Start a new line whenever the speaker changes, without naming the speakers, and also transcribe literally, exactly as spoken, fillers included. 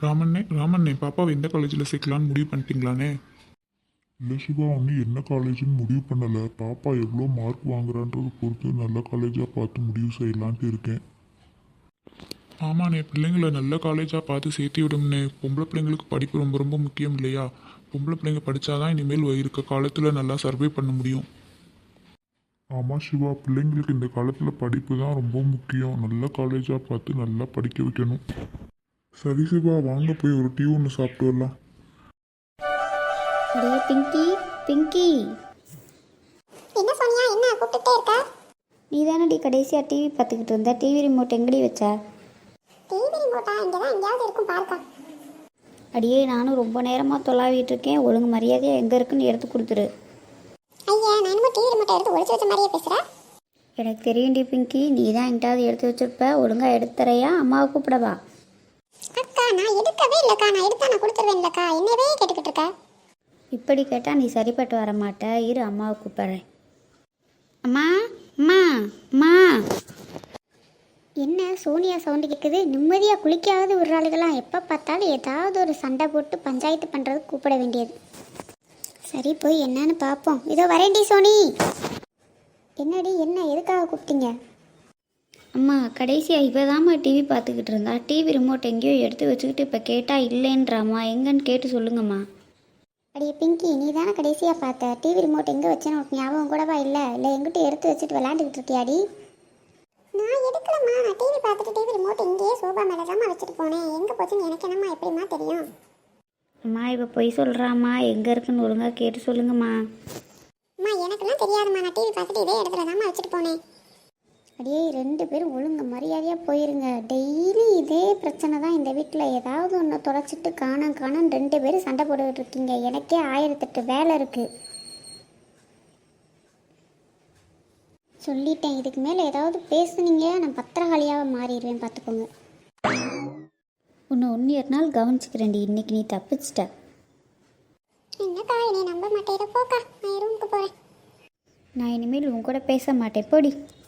ராமண்ணே ராமண்ணே பாப்பாவை எந்த காலேஜில் சேர்க்கலான்னு முடிவு பண்ணிட்டீங்களாண்ணே?
இல்லை சிவா, ஒன்றும் என்ன காலேஜ்னு முடிவு பண்ணலை. பாப்பா எவ்வளோ மார்க் வாங்குறான்றது பொறுத்து நல்ல காலேஜாக பார்த்து முடிவு செய்யலான்ட்டு இருக்கேன்.
ஆமாண்ணே, பிள்ளைங்களை நல்ல காலேஜாக பார்த்து சேர்த்து விடும்ண்ணே. பொம்பளை பிள்ளைங்களுக்கு படிப்பு ரொம்ப ரொம்ப முக்கியம் இல்லையா? பொம்பளை பிள்ளைங்க படித்தாதான் இனிமேல் இருக்க காலத்தில் நல்லா சர்வே பண்ண முடியும்.
ஆமாம் சிவா, பிள்ளைங்களுக்கு இந்த காலத்தில் படிப்பு தான் ரொம்ப முக்கியம். நல்ல காலேஜாக பார்த்து நல்லா படிக்க வைக்கணும். சரி சிவா, வாங்க போய் ஒரு டீ ஒன்று சாப்பிட்டு வரலாம்.
அடே பிங்கி, பிங்கி,
என்ன சோனியா, என்ன கூப்பிட்டுட்டே இருக்க?
நீ தானடி கடைசியாக டிவி பார்த்துக்கிட்டு இருந்த. டிவி ரிமோட் எங்கடி வச்ச?
டிவி ரிமோட்டா? இங்கே தான் எங்கேயாவது இருக்கும், பார்க்கா.
அடியே, நானும் ரொம்ப நேரமாக தொலாவிட்டு இருக்கேன். ஒழுங்கு மரியாதையாக எங்கே இருக்குன்னு எடுத்து கொடுத்துரு.
ஐயா, நான் என்னமோ டிவி ரிமோட்டை எடுத்து ஒழிச்சு வச்ச மாதிரியே பேசுகிறேன்.
எனக்கு தெரியும்டி பிங்கி, நீ தான் எங்கிட்டாவது எடுத்து வச்சிருப்ப. ஒழுங்காக எடுத்துறையா? அம்மாவை கூப்பிடவா?
அக்கா, நான் எடுக்கவே இல்லைக்கா. நான் எடுத்தா நான் கொடுத்துருவேன்லக்கா. என்னவே கேட்டுக்கிட்டு இருக்க?
இப்படி கேட்டால் நீ சரிப்பட்டு வர மாட்ட. இரு, அம்மாவை கூப்பிட்றேன். அம்மா, அம்மா, அம்மா.
என்ன சோனியா சவுண்டு கேட்குது? நிம்மதியாக குளிக்காவது விடுறாளுகளாம். எப்போ பார்த்தாலும் ஏதாவது ஒரு சண்டை போட்டு பஞ்சாயத்து பண்ணுறது கூப்பிட வேண்டியது. சரி, போய் என்னன்னு பார்ப்போம். இதோ வரேன்டி சோனி. என்னடி, என்ன, எதுக்காக கூப்பிட்டீங்க?
அம்மா, கடைசியாக இப்போ தாம்மா டிவி பார்த்துக்கிட்டு இருந்தா. டிவி ரிமோட் எங்கேயோ எடுத்து வச்சுக்கிட்டு இப்போ கேட்டால் இல்லைன்றாம்மா. எங்கன்னு கேட்டு சொல்லுங்கம்மா.
அடியே பிங்கி, நீ தானே கடைசியாக பார்த்த? டிவி ரிமோட் எங்கே வச்சேன்னு உனக்கு ஞாபகம் கூடவா இல்லை? இல்லை எங்கிட்ட எடுத்து வச்சுட்டு விளையாண்டுக்கிட்டு இருக்கியாடி? நான் எடுக்கலம்மா. நான் டிவி பார்த்துட்டு டிவி ரிமோட் இங்கேயே சோபா மேலே தான் வச்சுட்டு போனேன். எங்கே போச்சுன்னு எனக்கு என்னம்மா எப்படிம்மா தெரியும்?
அம்மா, இப்போ பொய் சொல்கிறாம்மா. எங்கே இருக்குன்னு ஒழுங்காக கேட்டு சொல்லுங்கம்மா.
அம்மா, எனக்கெல்லாம் தெரியாதும்மா. நான் டிவி பார்த்துட்டு இதே இடத்துல தாம்மா வச்சுட்டு போனேன்.
அடியே, ரெண்டு பேரும் ஒழுங்கு மரியாதையாக போயிருங்க. டெய்லி இதே பிரச்சனை தான் இந்த வீட்டில். ஏதாவது ஒன்று தொலைச்சிட்டு காணம் காணம் ரெண்டு பேரும் சண்டை போட்டுக்கிட்டு இருக்கீங்க. எனக்கே ஆயிரத்தெட்டு வேலை இருக்குது. சொல்லிட்டேன், இதுக்கு மேலே ஏதாவது பேசுனீங்க நான் பத்திரகாளியாக மாறிடுவேன், பார்த்துக்கோங்க. உன்னை ஒன்று ஒரு நாள் கவனிச்சுக்கிறேன்டி. இன்னைக்கு நீ தப்பிச்சிட்ட.
என்னக்கா, என்னை நம்ப மாட்டேன். போக்கா, நான் ரூமுக்கு போகிறேன்.
நான் இனிமேல் உன் கூட பேச மாட்டேன், போடி.